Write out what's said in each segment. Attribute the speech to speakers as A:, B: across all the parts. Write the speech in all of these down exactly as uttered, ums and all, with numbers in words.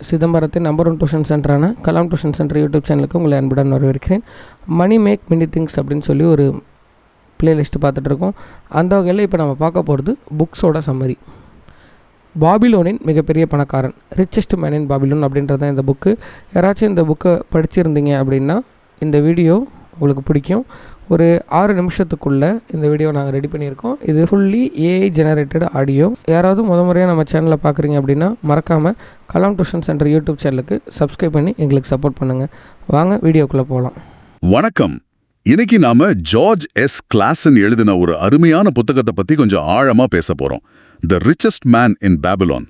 A: சிதம்பரத்தின் number one tuition சென்டரான Kalam tuition centre YouTube சேனலுக்கு உங்களை அன்புடன் வரவேற்கிறேன். மணி மேக் மினி திங்ஸ் அப்படின்னு சொல்லி ஒரு பிளேலிஸ்ட்டு பார்த்துட்ருக்கோம். அந்த வகையில் இப்போ நம்ம பார்க்க போகிறது புக்ஸோட சம்மரி. பாபிலோனின் மிகப்பெரிய பணக்காரன், ரிச்சஸ்ட் மேன் இன் பாபிலோன் அப்படின்றது தான் இந்த புக்கு. யாராச்சும் இந்த புக்கை படிச்சிருந்தீங்க அப்படின்னா இந்த வீடியோ உங்களுக்கு பிடிக்கும். ஒரு ஆறு நிமிஷத்துக்குள்ளே இந்த வீடியோ நாங்கள் ரெடி பண்ணியிருக்கோம். இது ஃபுல்லி ஏஐ ஜெனரேட்டட் ஆடியோ. யாராவது முத முறையாக நம்ம சேனலை பார்க்குறீங்க அப்படின்னா மறக்காமல் கலாம் டியூஷன் சென்டர் யூடியூப் சேனலுக்கு சப்ஸ்கிரைப் பண்ணி எங்களுக்கு சப்போர்ட் பண்ணுங்கள். வாங்க வீடியோக்குள்ளே போகலாம்.
B: வணக்கம். இன்னைக்கு நாம ஜார்ஜ் எஸ் கிளாசன் எழுதின ஒரு அருமையான புத்தகத்தை பத்தி கொஞ்சம் ஆழமா பேச போறோம். The richest man in Babylon.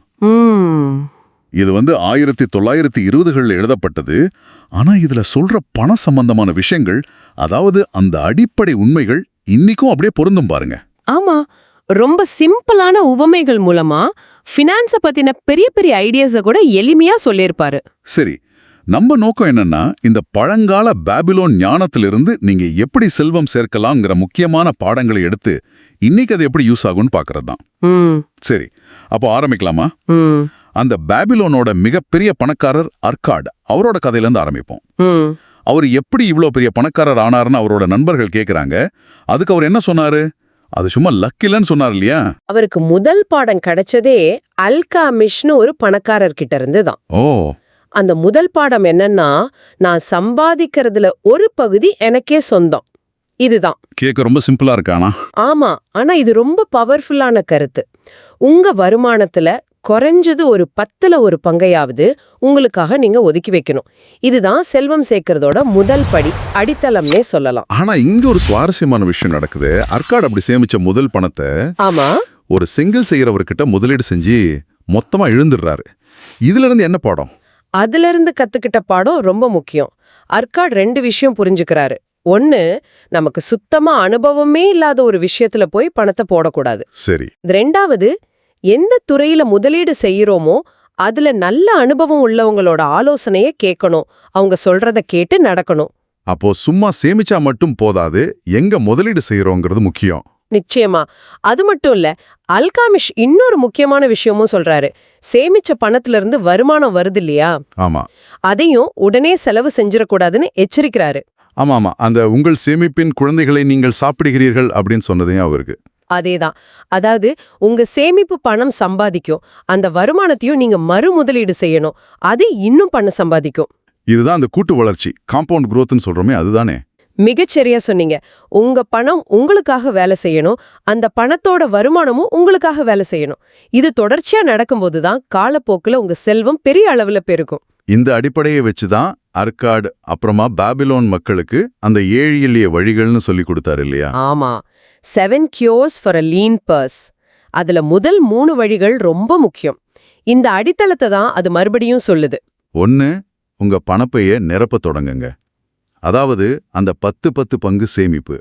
B: இது வந்து ஆயிரத்தி தொள்ளாயிரத்தி இருபதுகளில் எழுதப்பட்டது. ஆனா இதுல சொல்ற பண சம்பந்தமான விஷயங்கள், அதாவது அந்த அடிப்படை உண்மைகள் இன்னைக்கும் அப்படியே பொருந்தும் பாருங்க.
C: ஆமா, ரொம்ப சிம்பிளான உவமைகள் மூலமா ஃபினான்ஸ பத்தின பெரிய பெரிய ஐடியாஸ கூட எளிமையா சொல்லியிருப்பாரு.
B: சரி, நம்ம நோக்கம் என்னன்னா இந்த பழங்கால பாபிலோன் ஞானத்திலிருந்து நீங்க எப்படி செல்வம் சேர்க்கலாம்ங்கிற முக்கியமான பாடங்களை எடுத்து இன்னைக்கு அது எப்படி யூஸ் ஆகும்னு பாக்குறது தான். சரி, அப்போ ஆரம்பிக்கலாமா? அந்த பாபிலோனோட மிகப்பெரிய பணக்காரர் அர்காட், அவரோட கதையில இருந்து ஆரம்பிப்போம். அவர் எப்படி இவ்வளோ பெரிய பணக்காரர் ஆனாருன்னு அவரோட நண்பர்கள் கேக்குறாங்க. அதுக்கு அவர் என்ன சொன்னாரு? அது சும்மா லக் இல்லன்னு சொன்னார் இல்லையா?
C: அவருக்கு முதல் பாடம் கிடைச்சதே அல்காமிஷ்னு ஒரு பணக்காரர் கிட்ட இருந்து தான்.
B: ஓ,
C: அந்த முதல் பாடம் என்னன்னா, நான் சம்பாதிக்கிறதுல ஒரு பகுதி எனக்கே சொந்தம். இதுதான்.
B: கேட்க ரொம்ப சிம்பிளா இருக்கானா?
C: ஆமா, ஆனா இது ரொம்ப பவர்ஃபுல்லான கருத்து. உங்க வருமானத்துல குறைஞ்சது ஒரு பத்துல ஒரு பங்கையாவது உங்களுக்காக நீங்க ஒதுக்கி வைக்கணும். இதுதான் செல்வம் சேர்க்கறதோட முதல் படி, அடித்தளம்னே சொல்லலாம்.
B: ஆனா இங்க ஒரு சுவாரஸ்யமான விஷயம் நடக்குது. அர்காட் அப்படி சேமிச்ச முதல் பணத்தை
C: ஆமா
B: ஒரு செங்கல் செய்யறவர்கிட்ட முதலீடு செஞ்சு மொத்தமா இழந்துடுறாரு. இதுல இருந்து என்ன பாடம்?
C: அதுல இருந்து கத்துக்கிட்ட பாடம் ரொம்ப முக்கியம். அர்காட் ரெண்டு விஷயம் புரிஞ்சுக்கிறாரு. ஒன்னு, நமக்கு சுத்தமா அனுபவமே இல்லாத ஒரு விஷயத்துல போய் பணத்தை போடக்கூடாது.
B: சரி.
C: ரெண்டாவது, எந்த துறையில முதலீடு செய்யறோமோ அதுல நல்ல அனுபவம் உள்ளவங்களோட ஆலோசனைய கேட்கணும். அவங்க சொல்றத கேட்டு நடக்கணும்.
B: அப்போ சும்மா சேமிச்சா மட்டும் போதாது, எங்க முதலீடு செய்யறோங்கிறது முக்கியம்.
C: நிச்சயமா. அது மட்டும் இல்ல, அல்காமிஷ் இன்னொரு முக்கியமான விஷயமும் சொல்றாரு. சேமிச்ச பணத்துல இருந்து வருமானம் வருது இல்லையா?
B: ஆமா.
C: அதையும் உடனே செலவு செஞ்சிடக்கூடாதுன்னு எச்சரிக்கிறாரு.
B: ஆமா ஆமா அந்த உங்கள் சேமிப்பின் குழந்தைகளை நீங்கள் சாப்பிடுகிறீர்கள் அப்படின்னு சொன்னதையும் அவருக்கு.
C: அதேதான். அதாவது உங்க சேமிப்பு பணம் சம்பாதிக்கும், அந்த வருமானத்தையும் நீங்க மறு முதலீடு செய்யணும். அது இன்னும் பணம் சம்பாதிக்கும்.
B: இதுதான் அந்த கூட்டு வளர்ச்சி, காம்பவுண்ட் குரோத்னு சொல்றோமே, அதுதானே?
C: மிகச்சரியா சொன்னீங்க. உங்க பணம் உங்களுக்காக வேலை செய்யணும், அந்த பணத்தோட வருமானமும் உங்களுக்காக வேலை செய்யணும். இது தொடர்ச்சியா நடக்கும்போதுதான் காலப்போக்குல உங்க செல்வம் பெரிய அளவுல பெருகும்.
B: இந்த அடிப்படையை வச்சுதான் அர்காட் அப்புறமா பாபிலோன் மக்களுக்கு அந்த ஏழு எளிய வழிகள்னு சொல்லி கொடுத்தாரு இல்லையா?
C: ஆமா, seven cures for a lean purse. அதுல முதல் மூணு வழிகள் ரொம்ப முக்கியம். இந்த அடித்தளத்தை தான் அது மறுபடியும் சொல்லுது.
B: ஒன்னு, உங்க பணப்பைய நிரப்ப தொடங்குங்க. அதாவது அந்த பத்து பத்து பங்கு சேமிப்பு.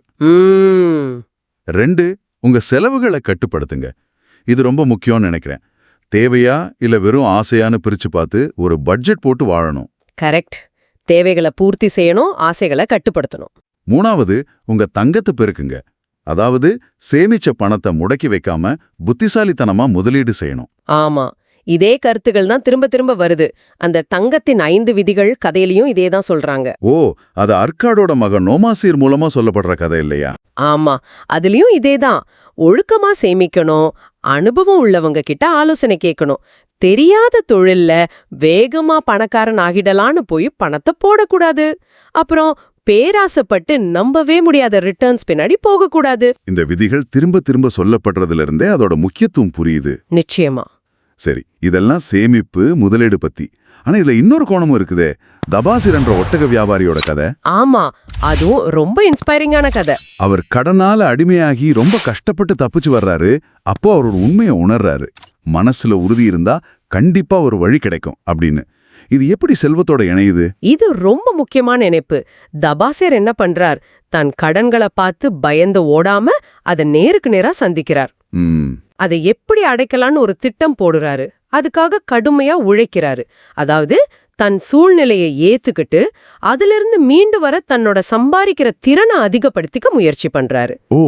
B: ரெண்டு, உங்க செலவுகளை கட்டுப்படுத்துங்க. இது ரொம்ப முக்கியம்னு நினைக்கிறேன். தேவையா இல்ல வெறும் ஆசையான்னு பிரிச்சு பார்த்து ஒரு பட்ஜெட் போட்டு வாழணும்.
C: கரெக்ட். தேவைகளை பூர்த்தி செய்யணும், ஆசைகளை கட்டுப்படுத்தணும்.
B: மூணாவது, உங்க தங்கத்தை பெருக்குங்க. அதாவது சேமிச்ச பணத்தை முடக்கி வைக்காம புத்திசாலித்தனமா முதலீடு செய்யணும்.
C: ஆமா, இதே கருத்துகள் தான் திரும்ப திரும்ப வருது. அந்த தங்கத்தின் ஐந்து விதிகள் கதையிலையும் இதே தான் சொல்றாங்க.
B: ஓ, அது அர்காடோட மகன் நோமாசீர் மூலமா சொல்லப்படுற கதை இல்லையா?
C: ஆமா, அதுலயும் இதே தான். ஒழுக்கமா சேமிக்கணும், அனுபவம் உள்ளவங்க கிட்ட ஆலோசனை கேட்கணும். தெரியாத தொழில்ல வேகமா பணக்காரன் ஆகிடலான்னு போய் பணத்தை போடக்கூடாது. அப்புறம் பேராசப்பட்டு நம்பவே முடியாத ரிட்டர்ன்ஸ் பின்னாடி போகக்கூடாது.
B: இந்த விதிகள் திரும்ப திரும்ப சொல்லப்படுறதுல இருந்தே அதோட முக்கியத்துவம் புரியுது.
C: நிச்சயமா.
B: சரி, இதெல்லாம் சேமிப்பு முதலீடு பத்தி. ஆனா இதுல இன்னொரு கோணமும் இருக்குதே, தபாசிர் என்ற ஒட்டக வியாபாரியோட கதை.
C: ஆமா, அதுவும் ரொம்ப இன்ஸ்பைரிங்கான கதை.
B: அவர் கடனால அடிமையாகி ரொம்ப கஷ்டப்பட்டு தப்பிச்சு வர்றாரு. அப்போ அவர் ஒரு உண்மையை உணர்றாரு. மனசுல உறுதி இருந்தா கண்டிப்பா ஒரு வழி கிடைக்கும் அப்படின்னு. இது எப்படி செல்வத்தோட இணையுது?
C: இது ரொம்ப முக்கியமான இணைப்பு. தபாசேர் என்ன பண்றார்? தன் கடன்களை பார்த்து பயந்து ஓடாம அதை நேருக்கு நேரா சந்திக்கிறார். அதை எப்படி அடைக்கலான்னு ஒரு திட்டம் போடுறாரு. அதுக்காக கடுமையா உழைக்கிறாரு. அதாவது தன் சூழ்நிலையை ஏத்துக்கிட்டு அதிலிருந்து மீண்டு வர தன்னோட சம்பாதிக்கிற திறனை அதிகப்படுத்திக்க முயற்சி பண்றாரு.
B: ஓ,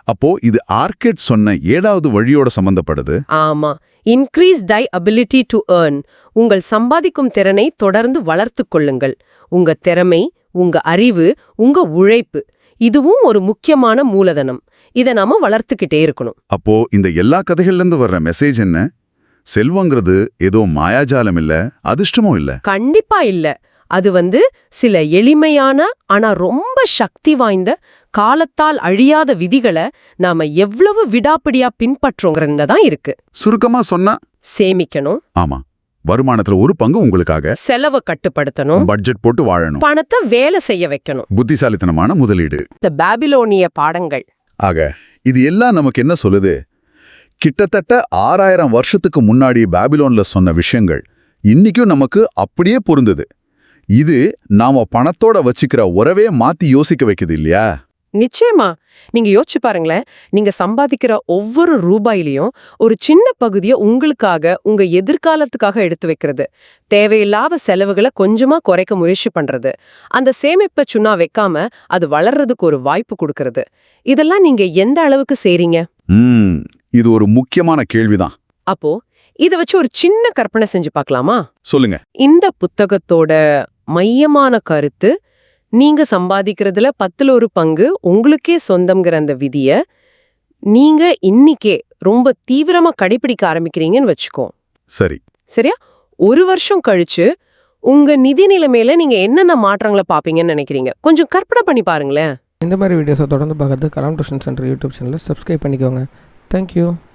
B: அப்போ இது ஆர்கெட் சொன்ன ஏழாவது வழியோட சம்பந்தப்படுது.
C: ஆமா, increase thy ability to earn. உங்கள் சம்பாதிக்கும் திறனை தொடர்ந்து வளர்த்து கொள்ளுங்கள். உங்க திறமை, உங்க அறிவு, உங்க உழைப்பு, இதுவும் ஒரு முக்கியமான மூலதனம். இதை நாம வளர்த்துக்கிட்டே இருக்கணும்.
B: அப்போ இந்த எல்லா கதைகள்ல இருந்து வர்ற மெசேஜ் என்ன? செல்வங்கிறது ஏதோ மாயாஜாலம் இல்ல, அதிர்ஷ்டமும் இல்ல.
C: கண்டிப்பா இல்ல. அது வந்து சில எளிமையான ஆனா ரொம்ப சக்தி வாய்ந்த காலத்தால் அழியாத விதிகளை நாம எவ்வளவு விடாப்பிடியா பின்பற்றோங்கிறதுல தான் இருக்கு.
B: சுருக்கமா சொன்னா,
C: சேமிக்கணும்,
B: ஆமா, வருமானத்துல ஒரு பங்கு உங்களுக்காக,
C: செலவை கட்டுப்படுத்தணும்,
B: பட்ஜெட் போட்டு வாழணும்,
C: பணத்தை வேலை செய்ய வைக்கணும்.
B: புத்திசாலித்தனமான முதலீடு.
C: இந்த பாபிலோனிய பாடங்கள்.
B: ஆக இது எல்லாம் நமக்கு என்ன சொல்லுது? கிட்டத்தட்ட ஆறாயிரம் வருஷத்துக்கு முன்னாடி பாபிலோன்ல சொன்ன விஷயங்கள் இன்னைக்கும் நமக்கு அப்படியே பொருந்தது. இது நாம பணத்தோட வச்சுக்கிற உறவே மாத்தி யோசிக்க வைக்குது இல்லையா?
C: நிச்சயமா. நீங்க யோசிச்சு பாருங்களேன், நீங்க சம்பாதிக்கிற ஒவ்வொரு ரூபாயிலையும் ஒரு சின்ன பகுதியை உங்களுக்காக, உங்க எதிர்காலத்துக்காக எடுத்து வைக்கிறது, தேவையில்லாத செலவுகளை கொஞ்சமா குறைக்க முயற்சி பண்றது, அந்த சேமிப்பை சுண்ணா வைக்காம அது வளர்றதுக்கு ஒரு வாய்ப்பு கொடுக்கறது, இதெல்லாம் நீங்க எந்த அளவுக்கு செய்றீங்க?
B: ம் இது ஒரு முக்கியமான கேள்விதான்.
C: அப்போ இத வச்சு ஒரு சின்ன கற்பனை செஞ்சு பார்க்கலாமா?
B: சொல்லுங்க.
C: இந்த புத்தகத்தோட மையமான கருத்து, நீங்க சம்பாதிக்கிறதுல பத்துல ஒரு பங்கு உங்களுக்கே சொந்தம்ங்கிற அந்த விதிய நீங்க இன்னிக்கே ரொம்ப தீவிரமா கடைபிடிக்க ஆரம்பிக்கிறீங்கன்னு வச்சுக்கோ.
B: சரி.
C: சரியா? ஒரு வருஷம் கழிச்சு உங்க நிதி நிலைமையில நீங்க என்னென்ன மாற்றங்களை பாப்பீங்கன்னு நினைக்கிறீங்க? கொஞ்சம் கற்பனை பண்ணி பாருங்களேன்.
A: இந்த மாதிரி வீடியோஸை தொடர்ந்து பார்க்கறது கலாம் டியூஷன் சென்டர் யூடியூப் சேனலை சப்ஸ்கிரைப் பண்ணிக்கோங்க. தேங்க்யூ.